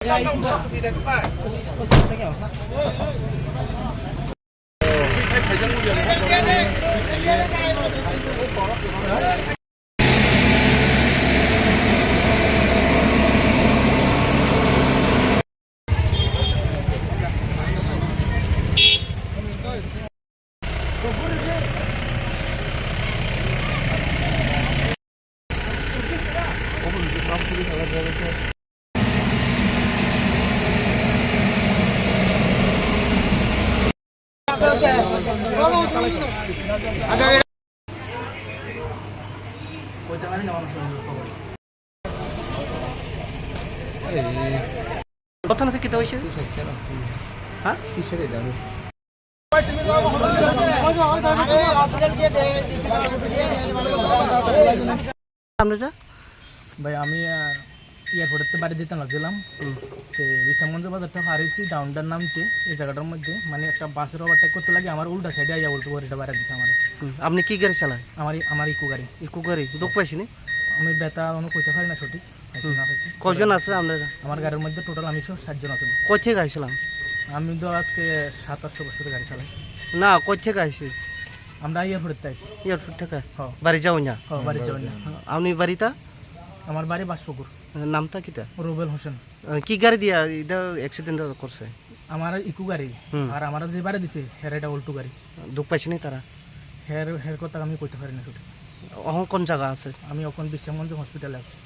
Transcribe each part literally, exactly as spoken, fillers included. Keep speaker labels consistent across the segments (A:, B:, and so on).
A: কথা না থেকে তো হয়েছে হ্যাঁ কিসের এটা আপনারা
B: ভাই আমি এয়ারপোর্টের বাড়ি যেতে লাগছিলাম তো বিশামগঞ্জ বাজারটা পার হয়েছি ডাউনটার নামতে এই জায়গাটার মধ্যে মানে একটা বাসের ওভারটেক করতে লাগে আমার উল্টা সাইডে আইয়া উল্টো গাড়িটা বাইরে দিচ্ছে আমার
A: আপনি কি গাড়ি চালান?
B: আমার আমার ইকো গাড়ি
A: ইকো গাড়ি দুঃখ পাইছি না
B: আমি বেতা অনু কইতে পারি না সঠিক
A: কজন আছে আপনারা?
B: আমার গাড়ির মধ্যে টোটাল আমি সব সাতজন আছেন।
A: কই থেকে আইছিলাম?
B: আমি তো আজকে সাত আটশো বছরের গাড়ি চালাই।
A: না কই থেকে আইছি?
B: আমরা এয়ারপোর্টে আইছি।
A: এয়ারপোর্ট থেকে?
B: হ্যাঁ
A: বাড়ি যাও না?
B: হ্যাঁ বাড়ি যাও না।
A: আপনি বাড়িটা?
B: আমার বাড়ি বাসপুকুর।
A: নামটা কিটা?
B: রুবেল হোসেন।
A: কি গাড়ি দিয়া এটা অ্যাক্সিডেন্ট করছে?
B: আমার ইকো গাড়ি আর আমার যে বাড়ি দিছে হের এটা উল্টো গাড়ি।
A: দুঃখ পাইছি না তারা?
B: হের হের কথা আমি কইতে পারি না সঠিক।
A: এখন কোন জায়গা আছে?
B: আমি এখন বিশামগঞ্জ হসপিটালে আছি।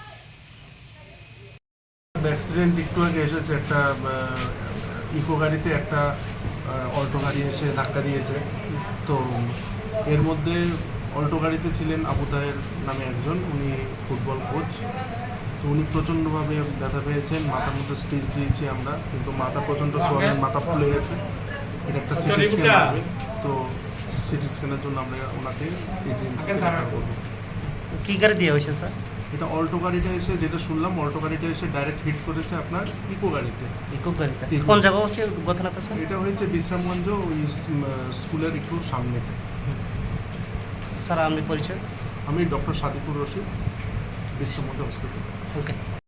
C: অ্যাক্সিডেন্ট একটু আগে এসেছে, একটা ইকো গাড়িতে একটা অল্টো গাড়ি এসে ধাক্কা দিয়েছে। তো এর মধ্যে অল্টো গাড়িতে ছিলেন আবু তাহের নামে একজন, উনি ফুটবল কোচ। তো উনি প্রচণ্ডভাবে ব্যথা পেয়েছেন, মাথার মধ্যে স্টিচ দিয়েছি আমরা, কিন্তু মাথা প্রচণ্ড সোয়ালেন, মাথা ফুলে গেছে। এটা একটা সিটি স্ক্যান হবে, তো সিটি স্ক্যানের জন্য আমরা ওনাকে এজেন্সিকে রেফার করবো।
A: কি গাড়ি দিয়ে হয়েছে স্যার?
C: এটা অল্টো গাড়িটা এসে, যেটা শুনলাম অল্টো গাড়িটা এসে ডাইরেক্ট হিট করেছে আপনার ইকো গাড়িতে।
A: ইকো গাড়িতে কোন জায়গা হচ্ছে ঘটনাটা স্যার?
C: এটা হয়েছে বিশ্রামগঞ্জ ওই স্কুলের একটু সামনে।
A: স্যার আপনি পরিচয়?
C: আমি ডক্টর সাদিকুর রশিদ, বিশ্রামগঞ্জ হসপিটাল।
A: ওকে।